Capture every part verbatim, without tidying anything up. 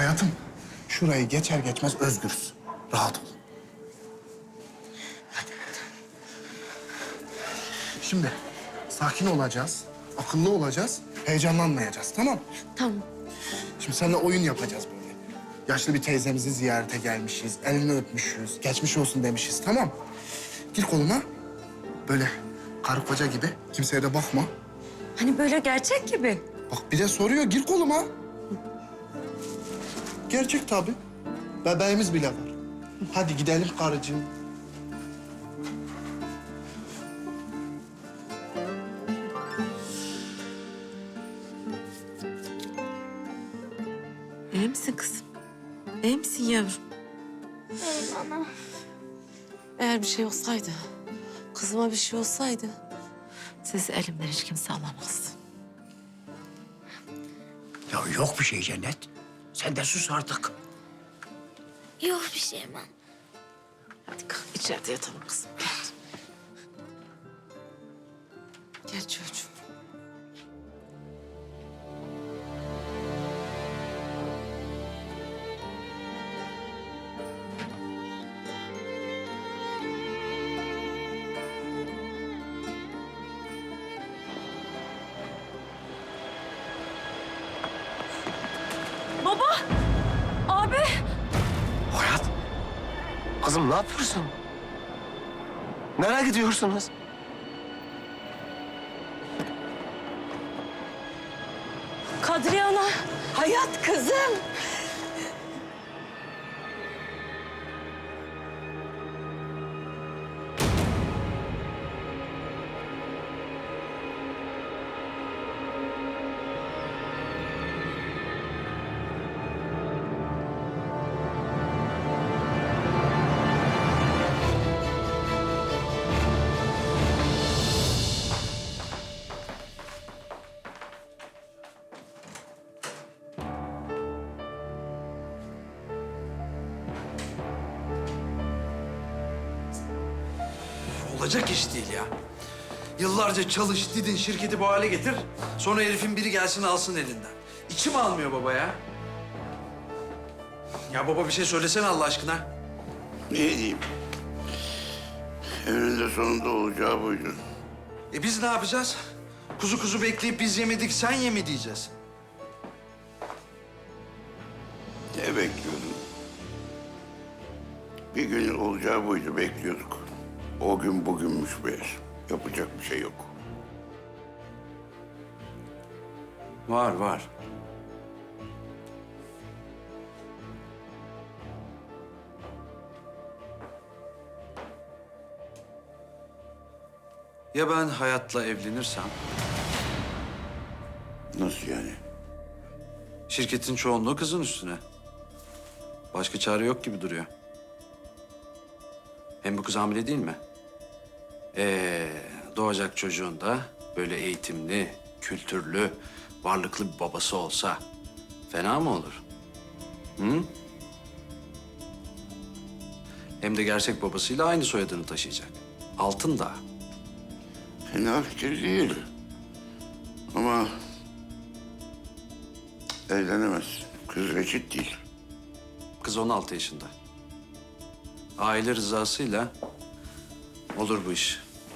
Hayatım, şurayı geçer geçmez özgürüz. Rahat ol. Hadi. Şimdi sakin olacağız, akıllı olacağız, heyecanlanmayacağız, tamam mı? Tamam. Şimdi seninle oyun yapacağız böyle. Yaşlı bir teyzemizi ziyarete gelmişiz, elini öpmüşüz, geçmiş olsun demişiz, tamam mı? Gir koluma, böyle karı koca gibi, kimseye de bakma. Hani böyle gerçek gibi. Bak bir de soruyor, gir koluma. Gerçek tabii. Bebeğimiz bile var. Hadi gidelim karıcığım. İyi misin kızım? İyi misin yavrum? İyiyim ana. Eğer bir şey olsaydı, kızıma bir şey olsaydı... ...sizi elimden hiç kimse alamazdı. Ya yok bir şey Cennet. Sen de sus artık. Yok bir şey ben. Hadi kalk içeride yatalım kızım. Gel. Gel çocuğum. Baba! Abi! Hayat. Kızım ne yapıyorsun? Nereye gidiyorsunuz? Kadriye ana! Hayat kızım! Olacak iş değil ya. Yıllarca çalış, didin, şirketi bu hale getir. Sonra herifin biri gelsin alsın elinden. İçim almıyor baba ya. Ya baba bir şey söylesene Allah aşkına. Ne diyeyim? Eninde sonunda olacağı buydu. E biz ne yapacağız? Kuzu kuzu bekleyip biz yemedik, sen ye mi diyeceğiz? Ne bekliyordun? Bir gün olacağı buydu, bekliyorduk. O gün bugünmüş meğer. Yapacak bir şey yok. Var, var. Ya ben Hayat'la evlenirsem? Nasıl yani? Şirketin çoğunluğu kızın üstüne. Başka çare yok gibi duruyor. Hem bu kız hamile değil mi? Ee, doğacak çocuğun da böyle eğitimli, kültürlü, varlıklı bir babası olsa fena mı olur? Hı? Hem de gerçek babasıyla aynı soyadını taşıyacak. Altın da. Fena fikir değil. Ama evlenemez. Kız reşit değil. Kız on altı yaşında. Aile rızasıyla olur bu iş.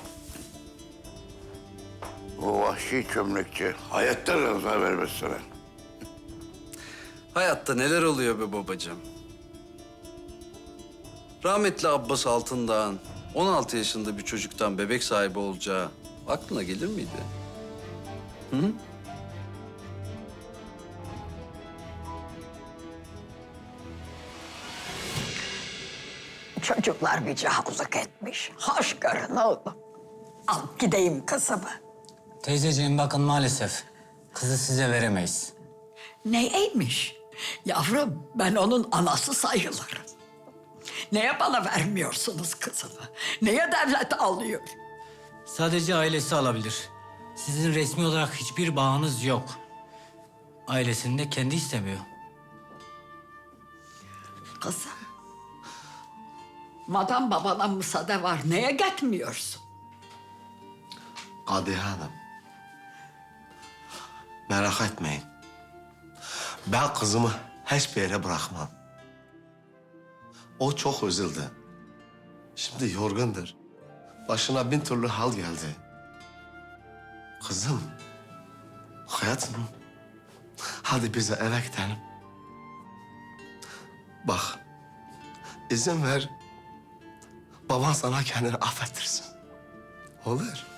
O vahşi çömlekçi hayatta rıza vermez sana. Hayatta neler oluyor be babacığım? Rahmetli Abbas Altındağ'ın on altı yaşında bir çocuktan bebek sahibi olacağı aklına gelir miydi? Hı? Çocuklar bir cahuzluk etmiş. Hoş görün oğlum. Al gideyim kızımı. Teyzeciğim bakın maalesef kızı size veremeyiz. Neymiş? Yavrum ben onun anası sayılırım. Neye bana vermiyorsunuz kızımı? Neye devlet alıyor? Sadece ailesi alabilir. Sizin resmi olarak hiçbir bağınız yok. Ailesini de kendi istemiyor. Kızım. Madam babana müsaade var. Neye gitmiyorsun? Kadriye Hanım. Merak etmeyin. Ben kızımı hiçbir yere bırakmam. O çok üzüldü. Şimdi yorgundur. Başına bin türlü hal geldi. Kızım, hayatım, hadi bize eve gidelim. Bak, izin ver, baban sana kendini affettirsin. Olur.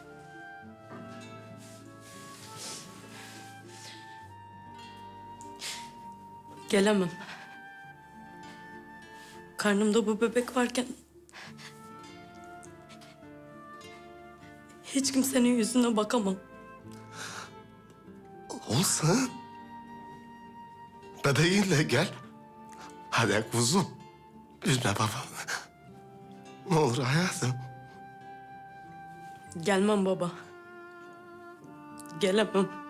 Gelemem. Karnımda bu bebek varken... hiç kimsenin yüzüne bakamam. Olsun. Bebeğinle gel. Hadi kuzum, üzme babamı. Ne olur hayatım. Gelmem baba. Gelemem.